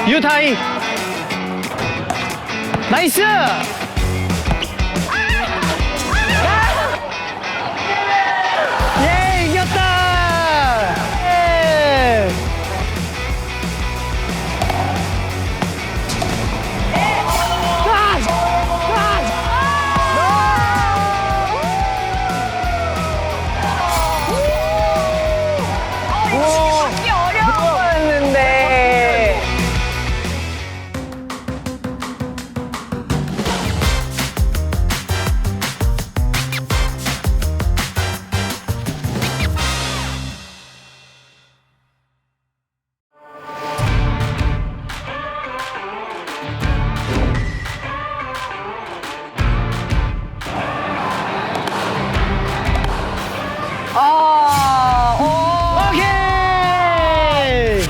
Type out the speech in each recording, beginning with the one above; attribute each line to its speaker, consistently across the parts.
Speaker 1: 유타이. 나이스. 예, 이겼다. 예.
Speaker 2: 받기 어려운 거였는데.
Speaker 1: 오케이.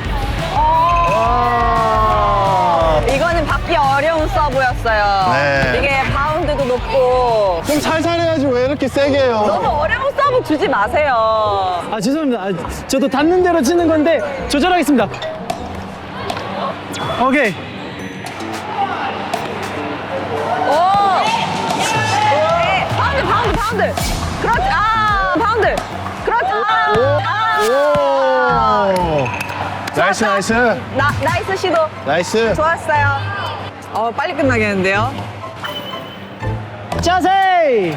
Speaker 2: 이거는 받기 어려운 서브였어요.
Speaker 3: 네.
Speaker 2: 이게 바운드도 높고
Speaker 3: 좀 살살 해야지 왜 이렇게 세게 해요?
Speaker 2: 너무 어려운 서브 주지 마세요.
Speaker 1: 아, 죄송합니다. 저도 닿는 대로 치는 건데 조절하겠습니다. 오케이.
Speaker 2: 오! 네. 바운드. 그렇지. 아, 바운드. 그렇지.
Speaker 3: 오! 나이스, 나이스.
Speaker 2: 나이스 시도.
Speaker 3: 나이스.
Speaker 2: 좋았어요. 빨리 끝나겠는데요?
Speaker 1: 자세.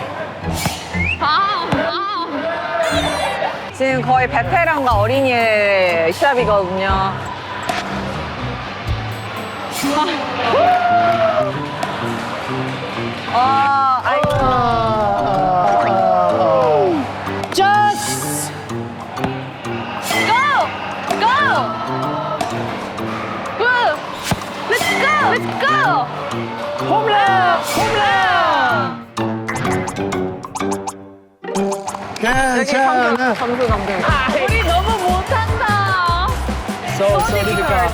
Speaker 2: 지금 거의 베테랑과 어린이의 시합이거든요. 아이고.
Speaker 1: 자스.
Speaker 2: Go! Go! Good! Let's go! Let's go!
Speaker 1: 홈런.
Speaker 3: 괜찮아.
Speaker 2: 점수 넘겨. 우리 너무 못한다.
Speaker 1: So difficult.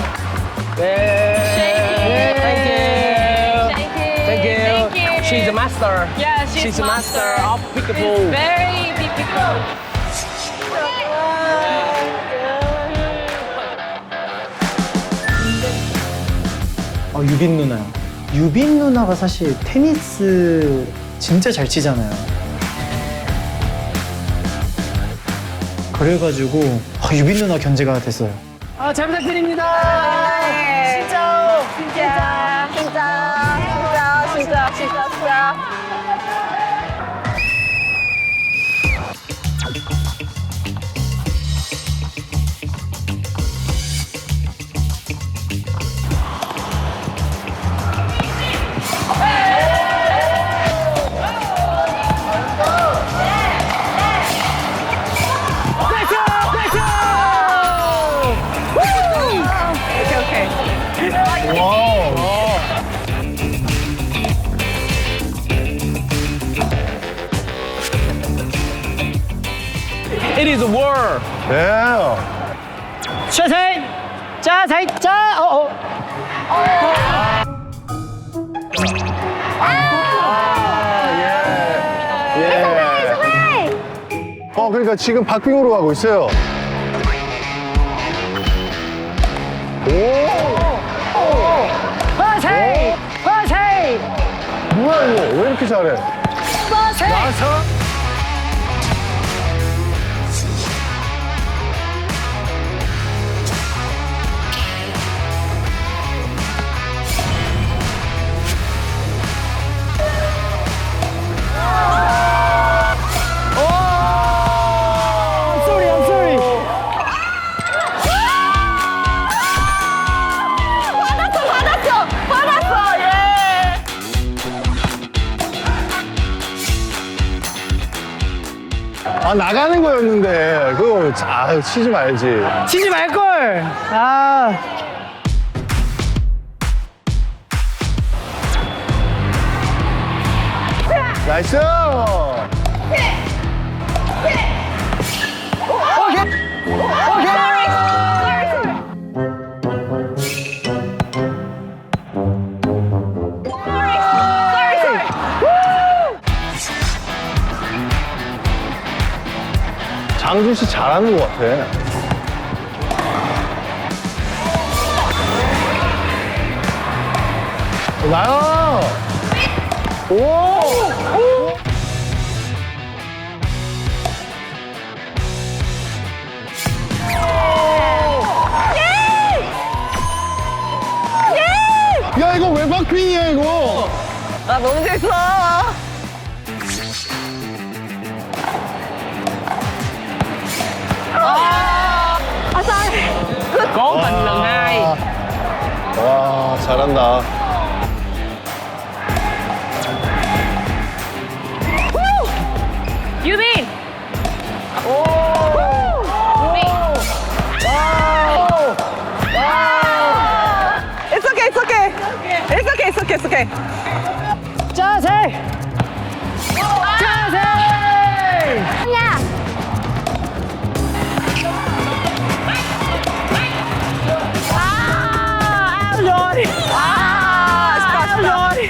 Speaker 4: Thank you. She's a master.
Speaker 5: Yeah,
Speaker 4: She's a master of
Speaker 5: It's
Speaker 4: pickleball.
Speaker 5: very difficult.
Speaker 1: 유빈 누나요. 유빈 누나가 사실 테니스 진짜 잘 치잖아요. 그래가지고 유빈 누나 견제가 됐어요. 잘 부탁드립니다.
Speaker 2: 진짜. 오케이.
Speaker 3: 와우.
Speaker 4: It is a war.
Speaker 3: 네.
Speaker 1: 자세. 자세.
Speaker 3: 그러니까 지금 박빙으로 가고 있어요.
Speaker 1: 화세.
Speaker 3: 뭐야, 이거? 왜 이렇게 잘해? 와서?
Speaker 1: I'm sorry.
Speaker 2: 받았어. 예.
Speaker 3: 나가는 거였는데. 그거, 치지 말지.
Speaker 1: 치지 말걸.
Speaker 3: 나이스! 장준 씨 잘하는 것 같아. 나요. 오. 야, 이거 왜 박빙이야, 이거?
Speaker 2: 아, 너무 재밌어.
Speaker 4: Cố tình lần hai.
Speaker 3: 와, 잘한다.
Speaker 2: 유빈! It's okay, it's okay. It's okay, it's okay, it's okay.
Speaker 1: 자세! 자세!
Speaker 2: 야! 아, rồi. 아, rồi.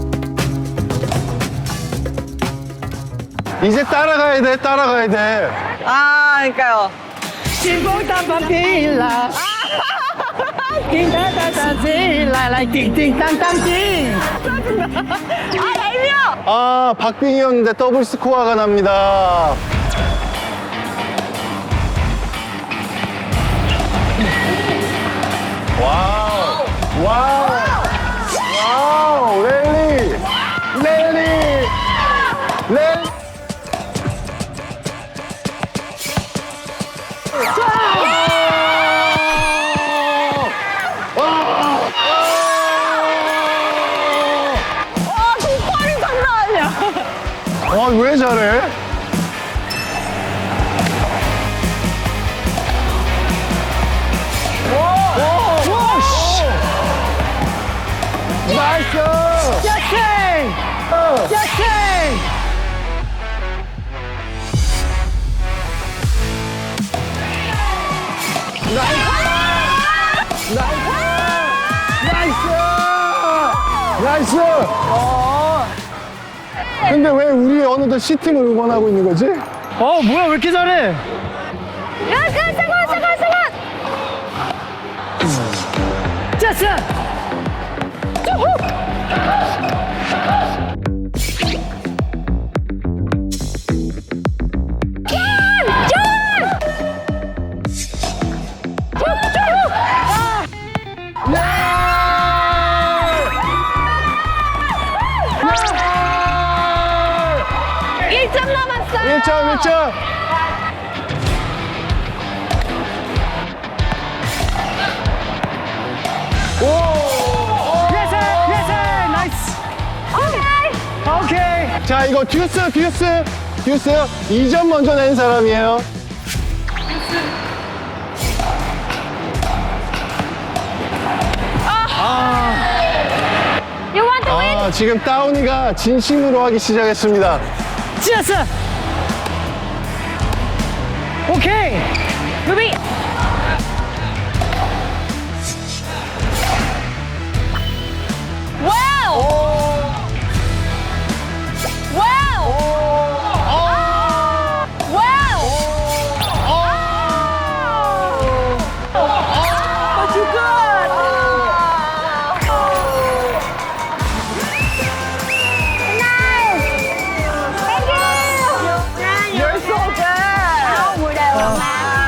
Speaker 3: 이제 따라가야 돼, 따라가야 돼.
Speaker 2: 아, 그러니까요.
Speaker 1: 띵뽕땅빵띵라 띵땅땅땅띵 라이라이 띵띵땅땅띵
Speaker 2: 아, 얄미워!
Speaker 3: 아, 박빙이었는데 더블 스코어가 납니다. 와우, 와우, 와우, 랠리, 랠리, 랠리.
Speaker 2: 아, 동파리 장난 아니야.
Speaker 3: 아, 왜 잘해? 와, 씨. 나이스!
Speaker 1: 자세! 자세!
Speaker 3: 나이스! 근데 왜 우리 어느덧 C팀을 응원하고 있는 거지?
Speaker 1: 어 뭐야 왜 이렇게 잘해?
Speaker 2: 야, 잠깐.
Speaker 1: 자세!
Speaker 2: 일점 남았어요.
Speaker 3: 1점, 1점!
Speaker 1: 예세! 예세! 나이스! 오케이!
Speaker 3: 자, 이거 듀스. 2점 먼저 낸 사람이에요.
Speaker 2: You want to win?
Speaker 3: 아, 지금 다운이가 진심으로 하기 시작했습니다.
Speaker 1: 자세! 오케이!
Speaker 2: 유빈! 와우! 와우! 와우! But you good! Nice! Thank you! You're so good! 무대요.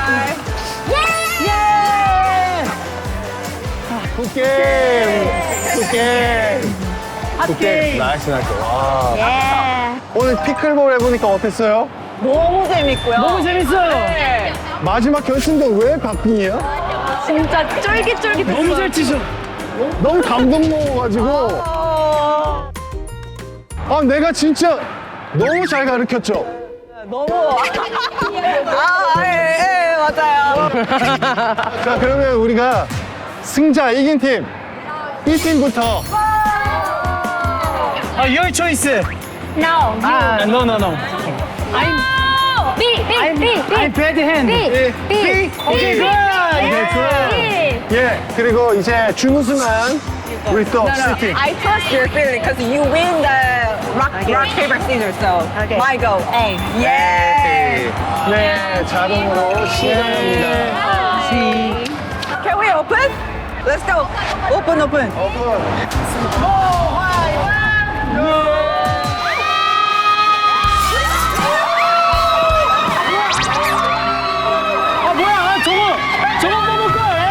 Speaker 3: 굿게임. 나이스. 와.
Speaker 2: 예.
Speaker 3: 오늘 피클볼 해보니까 어땠어요?
Speaker 2: 너무 재밌고요.
Speaker 1: 너무 재밌어요!
Speaker 2: 네.
Speaker 3: 마지막 결승전 왜 박빙이야?
Speaker 2: 진짜 쫄깃쫄깃했어요.
Speaker 1: 너무 잘 치셔!
Speaker 3: 너무 감동 먹어가지고. 아, 내가 진짜 너무 잘 가르쳤죠?
Speaker 2: 너무. 예, 맞아요.
Speaker 3: 자, 그러면 우리가 승자 이긴 팀, B팀부터.
Speaker 1: your choice!
Speaker 2: No.
Speaker 1: No, no, no.
Speaker 2: B.
Speaker 1: I'm bad hand.
Speaker 2: B.
Speaker 1: 오케이, good!
Speaker 3: 예, 그리고 이제 준우승한 우리 또 C팀.
Speaker 2: I trust your feeling because you win the rock, paper, scissors. So my go. A. Yeah.
Speaker 3: 네, 자동으로 시작합니다.
Speaker 2: Can we open? Let's go. Open, open.
Speaker 1: 아 뭐야? 아, 저거 먹을 거야.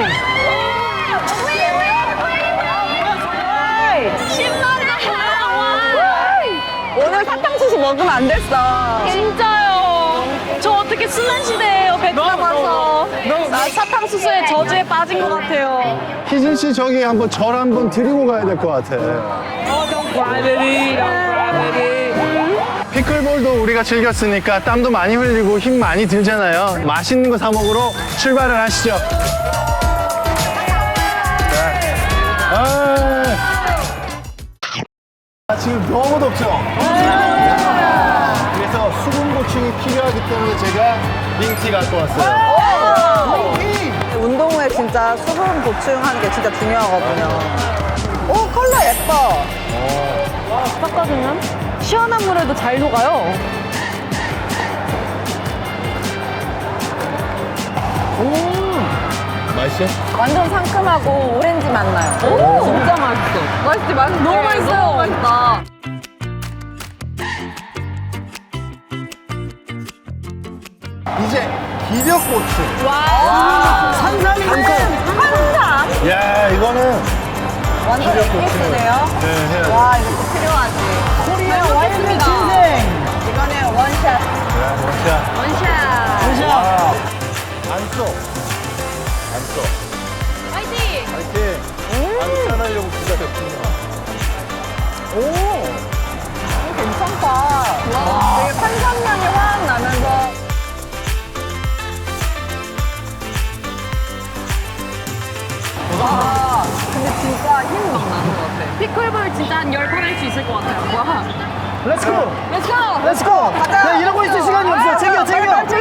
Speaker 2: 오늘 사탕수수 먹으면 안 됐어.
Speaker 5: 진짜요. 저 어떻게 수면 시대예요, 백화점 와서. 나 사탕수수의 저주에 빠진 것 같아요.
Speaker 3: 희진 씨 저기 한번 절 한번 드리고 가야 될 것 같아. 피클볼도 우리가 즐겼으니까 땀도 많이 흘리고 힘 많이 들잖아요. 맛있는 거 사 먹으러 출발을 하시죠. 지금 너무 덥죠? 그래서 수분 보충이 필요하기 때문에 제가 링티 갖고 왔어요.
Speaker 2: 운동 후에 진짜 수분 보충하는 게 진짜 중요하거든요. 오, 컬러 예뻐.
Speaker 5: 닦아주면 시원한 물에도 잘 녹아요.
Speaker 3: 맛있어?
Speaker 2: 완전 상큼하고 오렌지 맛 나요.
Speaker 5: 오.
Speaker 2: 진짜 맛있어. 맛있지, 맛있지.
Speaker 5: 너무 맛있어요.
Speaker 2: 너무 맛있다.
Speaker 3: 이제 기력 보충.
Speaker 2: 와. 산삼이네. 산삼.
Speaker 3: 야, 이거는
Speaker 2: 완전
Speaker 3: 기력 보충.
Speaker 2: 에기스네요.
Speaker 3: 네, 해야 돼.
Speaker 2: 와, 이것도 필요하지.
Speaker 1: 코리아 와인의 진생.
Speaker 2: 이거는 원샷.
Speaker 3: 자,
Speaker 5: 원샷.
Speaker 3: 와. 안 써. 안 써.
Speaker 5: 화이팅!
Speaker 3: 파이팅. 안 싸나려고 기다렸군요.
Speaker 2: 오. 괜찮다. 되게 탄산향이 확 나면서. 와, 근데 진짜 힘 막 나는 것 같아.
Speaker 5: 피클볼 진짜 한 10번 할 수 있을 것 같아요. 와.
Speaker 1: 렛츠고.
Speaker 5: 렛츠고!
Speaker 1: 렛츠고.
Speaker 2: 가자.
Speaker 1: 야, 이러고 있을 시간이 없어. 챙겨.
Speaker 2: 빨리